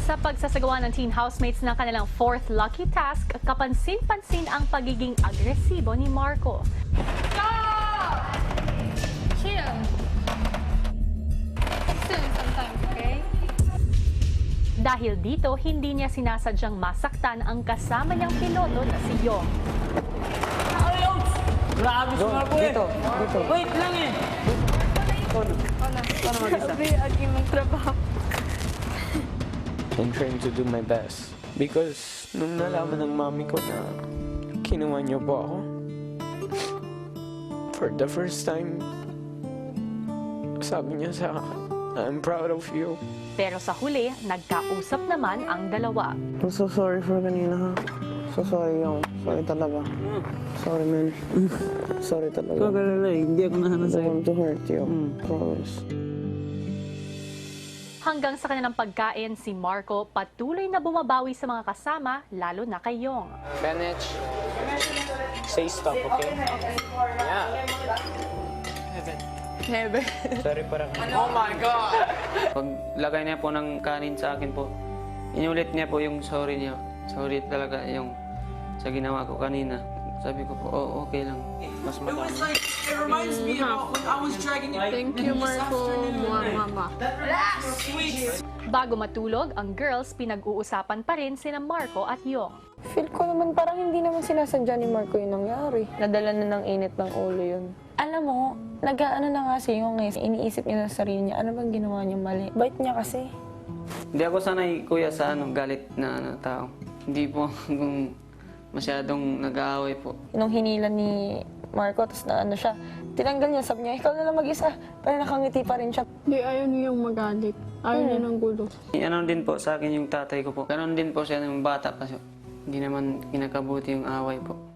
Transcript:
Sa pagsasagawa ng teen housemates ng kanilang fourth lucky task, kapansin-pansin ang pagiging agresibo ni Marco. Stop! Chill. Soon sometimes, okay? Dahil dito, hindi niya sinasadyang masaktan ang kasama niyang piloto na si Yong. Grabe si Marco eh. Dito. Wait lang eh. Paano mag-isa? Sabi, agi magtrabaho. I'm trying to do my best. Because nung nalaman ng mami ko na kinuha niyo po ako, for the first time, sabi niya sa akin, I'm proud of you. Pero sa huli, nagkausap naman ang dalawa. I'm so sorry for kanina ha. So sorry yung. Sorry talaga. Sorry man. Sorry talaga. Ikaw galala eh. Hindi ako nahanap I don't sa'yo. want to hurt you. Promise. Hanggang sa kanilang pagkain, si Marco patuloy na bumabawi sa mga kasama, lalo na kay Yong. Benech, say stop, okay? Yeah. Hebe. Sorry para Oh my God! Paglagay niya po ng kanin sa akin po, inulit niya po yung sorry niya. Sorry talaga yung sa ginawa ko kanina. Sabi ko po, oh, okay lang. Mas It madami. was like, it reminds me of when I was dragging you. Thank you, Marco. Mama. Sweet. Bago matulog, ang girls pinag-uusapan pa rin sina Marco at Yong. Feel ko naman parang hindi naman sinasadya ni Marco yung nangyari. Nadala na ng init ng ulo yun. Alam mo, nag-ano na nga si Yung iniisip niya sa sarili niya, ano bang ginawa niya mali? Bait niya kasi. Hindi ako sanay, kuya, sa galit na tao. Hindi po kung masyadong nag-aaway po. Nung hinila ni Marco, tapos na ano siya, tinanggal niya, sabi niya, ikaw na lang mag-isa. Pero nakangiti pa rin siya. Di ayaw niyang magalit. Ayaw niya ng gulo. Ano din po sa akin yung tatay ko po. Ganon din po siya ng bata kasi hindi naman kinakabuti yung away po.